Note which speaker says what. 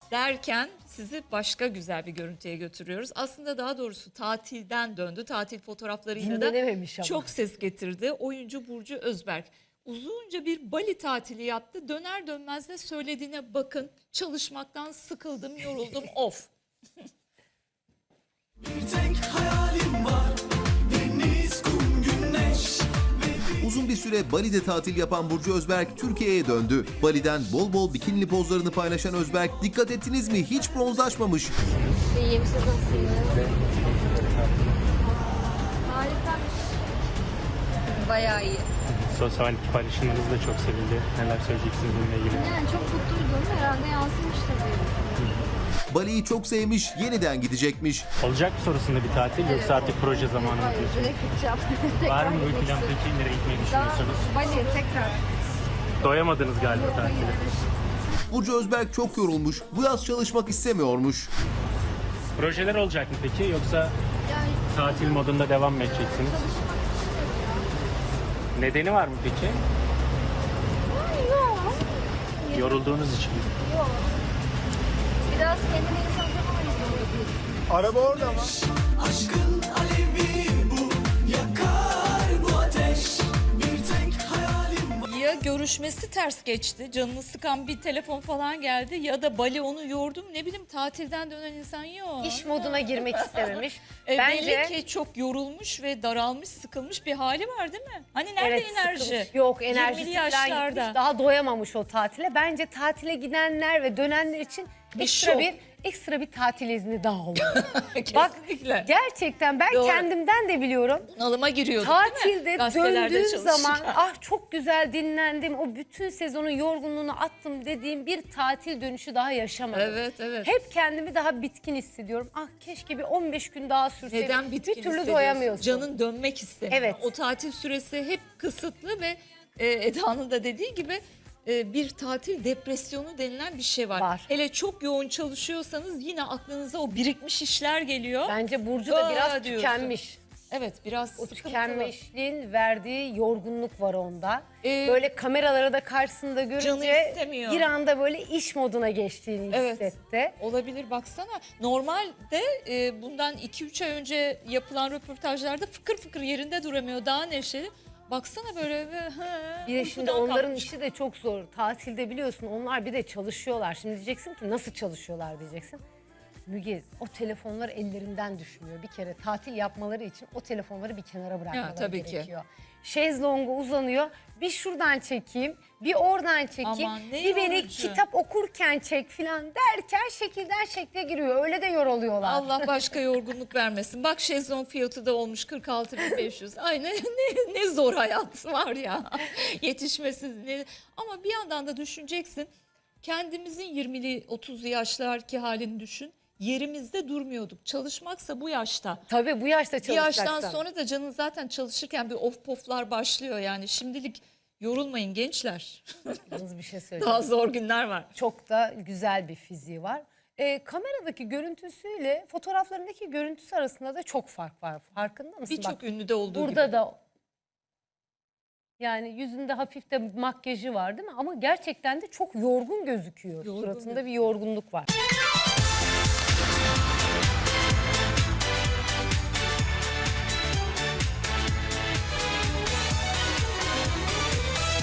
Speaker 1: derken sizi başka güzel bir görüntüye götürüyoruz. Aslında daha doğrusu tatilden döndü. Tatil fotoğraflarıyla da
Speaker 2: Dinlenememiş ama.
Speaker 1: çok ses getirdi. Oyuncu Burcu Özberk uzunca bir Bali tatili yaptı. Döner dönmez de söylediğine bakın. Çalışmaktan sıkıldım, yoruldum, of.
Speaker 3: Bir tek hayalim var, deniz, kum, güneş.
Speaker 4: Uzun bir süre Bali'de tatil yapan Burcu Özberk Türkiye'ye döndü. Bali'den bol bol bikinili pozlarını paylaşan Özberk, dikkat ettiniz mi, hiç bronzlaşmamış.
Speaker 5: İyiyim, siz nasılsınız? Harikaymış. Bayağı iyi.
Speaker 6: Sosyal paylaşımlarınız da çok sevildi. Neler söyleyeceksiniz bununla ilgili?
Speaker 5: Yani çok mutluydum. Herhalde yansımıştır diye düşünüyorum.
Speaker 4: Bali'yi çok sevmiş, yeniden gidecekmiş.
Speaker 6: Olacak mı sonrasında bir tatil yoksa artık proje zamanı mı
Speaker 5: Hayır,
Speaker 6: diyorsunuz?
Speaker 5: direkt gideceğim.
Speaker 6: Var mı
Speaker 5: Tekrar
Speaker 6: bir plan
Speaker 5: gitmek
Speaker 6: peki? Nereye gitmeyi
Speaker 5: istiyorum.
Speaker 6: düşünüyorsunuz?
Speaker 5: Daha Bali'ye tekrar.
Speaker 6: Doyamadınız galiba
Speaker 5: Yok, hayır.
Speaker 6: tatile.
Speaker 4: Burcu Özberk çok yorulmuş, bu yaz çalışmak istemiyormuş.
Speaker 6: Projeler olacak mı peki yoksa
Speaker 5: Yani
Speaker 6: tatil modunda devam mı edeceksiniz?
Speaker 5: çalışmak istemiyorum
Speaker 6: Nedeni var mı peki?
Speaker 5: ya. Yok.
Speaker 6: Yorulduğunuz için mi?
Speaker 5: Yok. Biraz kendine insan zaman ayırıyor.
Speaker 3: Aşkın alevi bu, yakar bu ateş. Bir tek hayalim var.
Speaker 1: Ya görüşmesi ters geçti, canını sıkan bir telefon falan geldi ya da Bali onu yordu mu, ne bileyim, tatilden dönen insan yok.
Speaker 2: İş moduna girmek istememiş. Bence
Speaker 1: Belli ki çok yorulmuş ve daralmış, sıkılmış bir hali var değil mi? Hani nerede
Speaker 2: evet,
Speaker 1: enerji?
Speaker 2: sıkılmış. Yok, enerjisi
Speaker 1: 20'li
Speaker 2: falan
Speaker 1: yaşlarda.
Speaker 2: gitmiş. Daha doyamamış o tatile. Bence tatile gidenler ve dönenler için
Speaker 1: şok.
Speaker 2: ekstra bir tatil izni daha olur.
Speaker 1: Kesinlikle.
Speaker 2: Gerçekten ben
Speaker 1: Doğru.
Speaker 2: kendimden de biliyorum.
Speaker 1: Bunalıma giriyorduk değil mi?
Speaker 2: Tatilde
Speaker 1: Gazetelerde
Speaker 2: döndüğüm
Speaker 1: çalışırken.
Speaker 2: zaman ah çok güzel dinlendim. O bütün sezonun yorgunluğunu attım dediğim bir tatil dönüşü daha yaşamadım.
Speaker 1: Evet, evet.
Speaker 2: Hep kendimi daha bitkin hissediyorum. Ah keşke bir 15 gün daha sürseydi.
Speaker 1: Neden bitkin
Speaker 2: Bir türlü
Speaker 1: hissediyorsun?
Speaker 2: doyamıyorsun.
Speaker 1: Canın dönmek istemiyor.
Speaker 2: Evet.
Speaker 1: O tatil süresi hep kısıtlı ve Eda'nın da dediği gibi bir tatil depresyonu denilen bir şey var.
Speaker 2: Var.
Speaker 1: Hele çok yoğun çalışıyorsanız yine aklınıza o birikmiş işler geliyor.
Speaker 2: Bence Burcu da biraz
Speaker 1: diyorsun.
Speaker 2: tükenmiş.
Speaker 1: Evet, biraz
Speaker 2: O
Speaker 1: sıkıntılı.
Speaker 2: tükenmişliğin verdiği yorgunluk var onda.
Speaker 1: Ee,
Speaker 2: Böyle kameraları da karşısında
Speaker 1: canı
Speaker 2: görünce
Speaker 1: istemiyor.
Speaker 2: bir anda böyle iş moduna geçtiğini
Speaker 1: Evet.
Speaker 2: hissetti.
Speaker 1: Olabilir, baksana. Normalde bundan 2-3 ay önce yapılan röportajlarda fıkır fıkır yerinde duramıyor, daha neşeli. Baksana böyle.
Speaker 2: Bir de şimdi onların işi de çok zor. Tatilde biliyorsun onlar bir de çalışıyorlar. Şimdi diyeceksin ki nasıl çalışıyorlar diyeceksin. Müge, o telefonlar ellerinden düşmüyor. Bir kere tatil yapmaları için o telefonları bir kenara bırakmaları
Speaker 1: tabii ki.
Speaker 2: gerekiyor. Şezlonga uzanıyor. Bir şuradan çekeyim, bir oradan çekeyim.
Speaker 1: Aman ne
Speaker 2: bir beni
Speaker 1: yorucu.
Speaker 2: kitap okurken çek filan derken şekilden şekle giriyor. Öyle de yoruluyorlar.
Speaker 1: Allah başka yorgunluk vermesin. Bak, şezlong fiyatı da olmuş 46.500. Ay ne zor hayat var ya. Yetişmesi. Ama bir yandan da düşüneceksin. Kendimizin 20'li 30'lu yaşlarki halini düşün. Yerimizde durmuyorduk. Çalışmaksa bu yaşta.
Speaker 2: Tabii bu yaşta
Speaker 1: Bir
Speaker 2: çalışacaksan.
Speaker 1: yaştan sonra da canın zaten çalışırken bir of poflar başlıyor yani. Şimdilik yorulmayın gençler.
Speaker 2: Yalnız bir şey söyleyeyim.
Speaker 1: Daha zor günler var.
Speaker 2: Çok da güzel bir fiziği var. Kameradaki görüntüsüyle fotoğraflarındaki görüntüsü arasında da çok fark var. Farkında mısın?
Speaker 1: Birçok
Speaker 2: Bak,
Speaker 1: ünlüde olduğu
Speaker 2: burada
Speaker 1: gibi.
Speaker 2: da yani yüzünde hafif de makyajı var değil mi? Ama gerçekten de çok yorgun gözüküyor.
Speaker 1: Yorgun
Speaker 2: Suratında bir
Speaker 1: gözüküyor.
Speaker 2: yorgunluk var.